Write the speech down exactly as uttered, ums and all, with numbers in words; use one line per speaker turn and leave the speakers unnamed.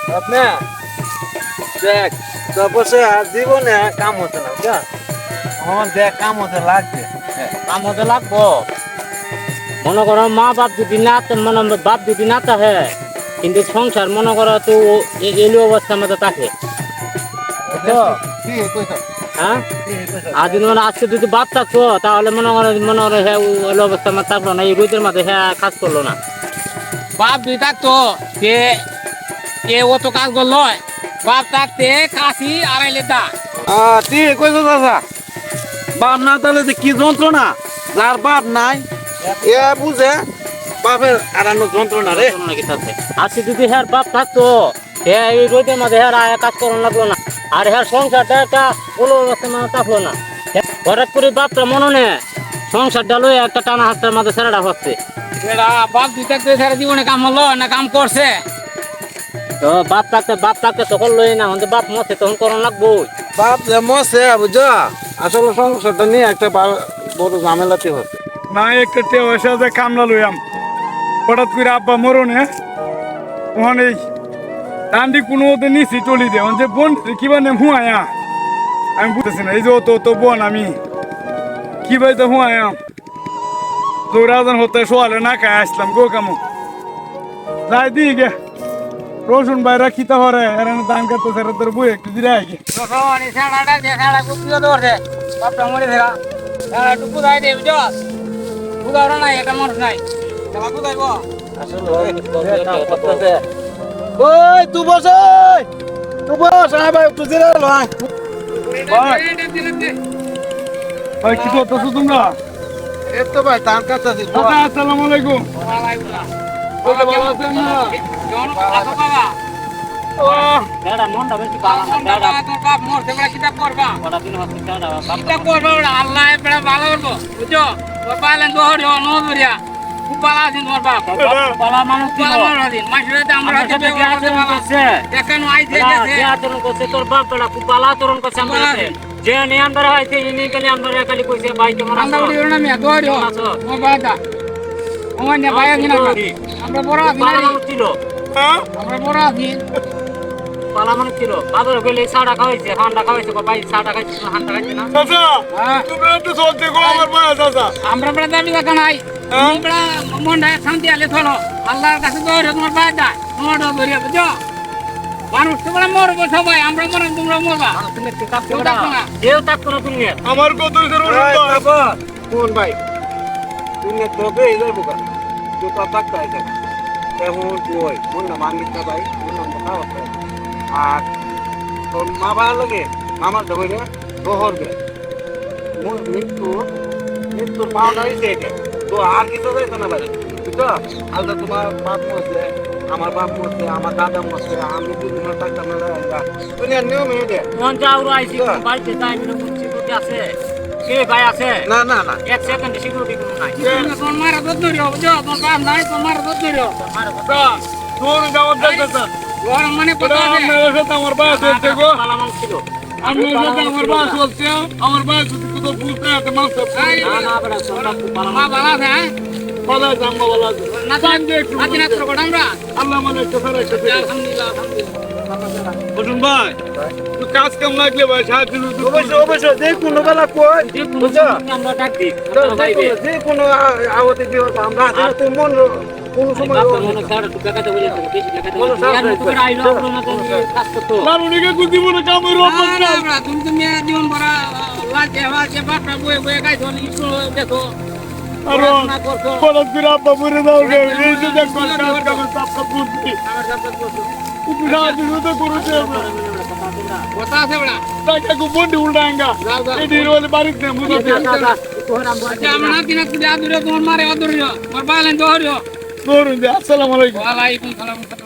আপনি দেখ তারপরে আর জীবনে কাম হচ্ছে না বুঝা আমার দেখ কাম হতে লাগবে
কাম হতে লাগবো মনে করো মা বাপ যদি না মানে বাপ যদি না থাকে কিন্তু সংসার মনে করো তো এলি অবস্থার মধ্যে থাকে হ্যাঁ আর যদি মানে আজকে যদি বাপ থাকতো তাহলে মনে করো মনে করো হ্যাঁ এলি অবস্থার মধ্যে থাকলো না এই রোদের মধ্যে হ্যাঁ কাজ করলো না বাপ যদি থাকতো সে এ অত কাজ করলো বাপ থাকতে কাশি আড়াইলে দা
ঠিক কইছো দাদা বাপ না তাহলে যে কি যন্ত্রণা যার বাপ নাই এ বুঝে বাপের আড়ানো যন্ত্রণা রে
আজকে যদি হ্যাঁ বাপ থাকতো হ্যাঁ এই রোদের মধ্যে হ্যাঁ আয়া কাজ করানো লাগলো না আর হ্যাঁ সংসারটা একটা কোনো অবস্থার মধ্যে থাকলো না হঠাৎ করে বাপটা মনে নেই সংসারটা লয়ে একটা টানা হাতটার মধ্যে ছেড়াটা হচ্ছে বাপ দুই থাকতে সারা জীবনে কাম হলো না কাম করছে তো বাপ থাকতে বাপ থাকতে তখন লই না আমাদের বাপ মরছে তখন করানো লাগবো
বাপ যে মরছে বুঝছো আসলে সংসারটা নিয়ে একটা বড় ঝামেলাতে হচ্ছে
না একটা তে পয়সা যে কামলা লইয়াম হঠাৎ করে আব্বা মরণে ওখানে ডান্ডি কোনো ওতে নিছি টলি দে যে বোন কিবা নে হুয়ায়া আমি বুঝতেছি না এই যে তো তো বোন আমি কি ভাই তো হুয়ায়াম তোরাজন হতে সোয়ালে না খাই আসলাম গো কামু যাই দিই গে রসুন বাইরা খিতা হরে এরান দান করতে সেরা তোর বই একটু দিলে আগে
রসুন ছাড়াটা দে ছাড়া কুপিও ধরছে বাপটা মরে থাকা ছাড়া টুকু দাই দে বুঝছ বুঝাওরা নাই এটা মানুষ নাই তারা বুঝাইব
ওই তুই বস ওই তুই বস আয় ভাই একটু জিরে লয়
ভাই কি করতেছো তোমরা
এই তো ভাই ধান কাটতেছি
দাদা আসসালামু আলাইকুম
বলে ভালো আছেন না
বেড়া মনটা বেশি ভালো না বেড়া তোর বাপ মরছে বেড়া কিতাব পড়বা কটা দিন হচ্ছে বেড়া কিতাব পড়বা বেড়া আল্লাহ বেড়া ভালো করবো বুঝছো তোর পালেন তো হরিও নজরিয়া খুব ভালো আছেন তোমার বাপ ভালো মানুষ ভালো মানুষ আছেন মাসুরাতে আমরা হাতে ব্যবহার করতে ভালো আছে দেখেন আইছে গেছে যে আচরণ করছে তোর বাপ বেড়া খুব ভালো আচরণ করছে আমরা যে নিয়ম ধরা হয়েছে ইনি খালি আমরা খালি কইছে ভাই কেমন আছো আমরা উড়িও না মিয়া দরিও ও বাদা ও না ভাই কিনা আমরা বড় আছি না ছিল
হ্যাঁ
আমরা বড় আছি পালা মানুষ ছিল বাদর গেলে সাড়া খাওয়াইছে হান্ডা খাওয়াইছে ভাই সাড়া খাইছে হান্ডা খাইছে না
চাচা তুমি একটু চলতে গো আমার মায়া চাচা
আমরা বেড়া দাবি দেখা নাই বেড়া মনটা শান্তি আলে চলো আল্লাহর কাছে দৌড়ে তোমার বাইর দা তোমার দৌড়িয়া বুঝছো মানুষ তোমরা মরবো সবাই আমরা মরব তোমরা মরবা কেউ থাকতো না তুমি
আমার কত
কোন ভাই তুমি তবে এই যাবো কা তুই তো থাকতে আছে এমন তুই মন না মানিস ভাই মন না খাওয়া আর তোর মা বাবার লাগে মামার ধরে দোহর গে মৃত্যু মৃত্যুর পাওনা হয়েছে তো আর কিছু হয়েছে না ভাই বুঝছো আলাদা তোমার বাপ মরছে আমার বাপ মরছে আমার দাদা মরছে আমি দুদিন থাকতাম না দুনিয়ার নিয়ম এটা
মন যাও আইছি বাড়িতে যাই মিলে সিকিউরিটি আছে কে ভাই আছে
না না না
এক সেকেন্ড সিকিউরিটি কোনো নাই তোর মারা দত ধরিও বুঝছো তোর বাপ নাই তোর মারা দত ধরিও মারা দত
তোর যাওয়ার চাচা
ওর মানে কথা আছে
আমার সাথে আমার বাবা চলছে গো
পালামান ছিল
আমি সাথে আমার বাবা চলছে আমার বাবা যদি তো বুঝতে আছে মাছ
না না বড় সোনা পালামা ভালো আছে হ্যাঁ
ভালো আছে আম্মা ভালো আছে
না জান দে একটু আজ না তো কোন আমরা
আল্লাহ মানে একটা ফেরা একটা
আলহামদুলিল্লাহ আলহামদুলিল্লাহ
বসুন ভাই তো কাজ কেমন লাগলে ভাই সাহায্য
অবশ্যই অবশ্যই যে কোনো বেলা কই বুঝছো
আমরা ডাক দিই
যে কোনো আওতে দিও আমরা আছে তুমি মন কোনো সময়
মনে ছাড়া তো টাকাতে বলে তো বেশি টাকাতে বলে আইলো আমরা তো কাজ করতে
মারুনিকে কুদি মনে কামের অপর না
আমরা তুমি তুমি জীবন ভরা লাজে লাজে বাপরা বয়ে বয়ে গাইছো স্কুল দেখো
আর পড়া দিরা বাবুরে দাও গে এই যে দেখো কাজ কাম সব বুঝছি
আমার সাথে বসো
তুমি রাজি তো করুছে
কথা আছে বড়া
টাকা কো বন্ডি উল্টাঙ্গা এই দিরওয়ালে বাড়িতে মুদতে
আমরা কিনা তুই আদুরে তোমার মারে আদুরে মার বাইলেন দহরিও
করুন আসসালামু আলাইকুম
ওয়া আলাইকুম সালাম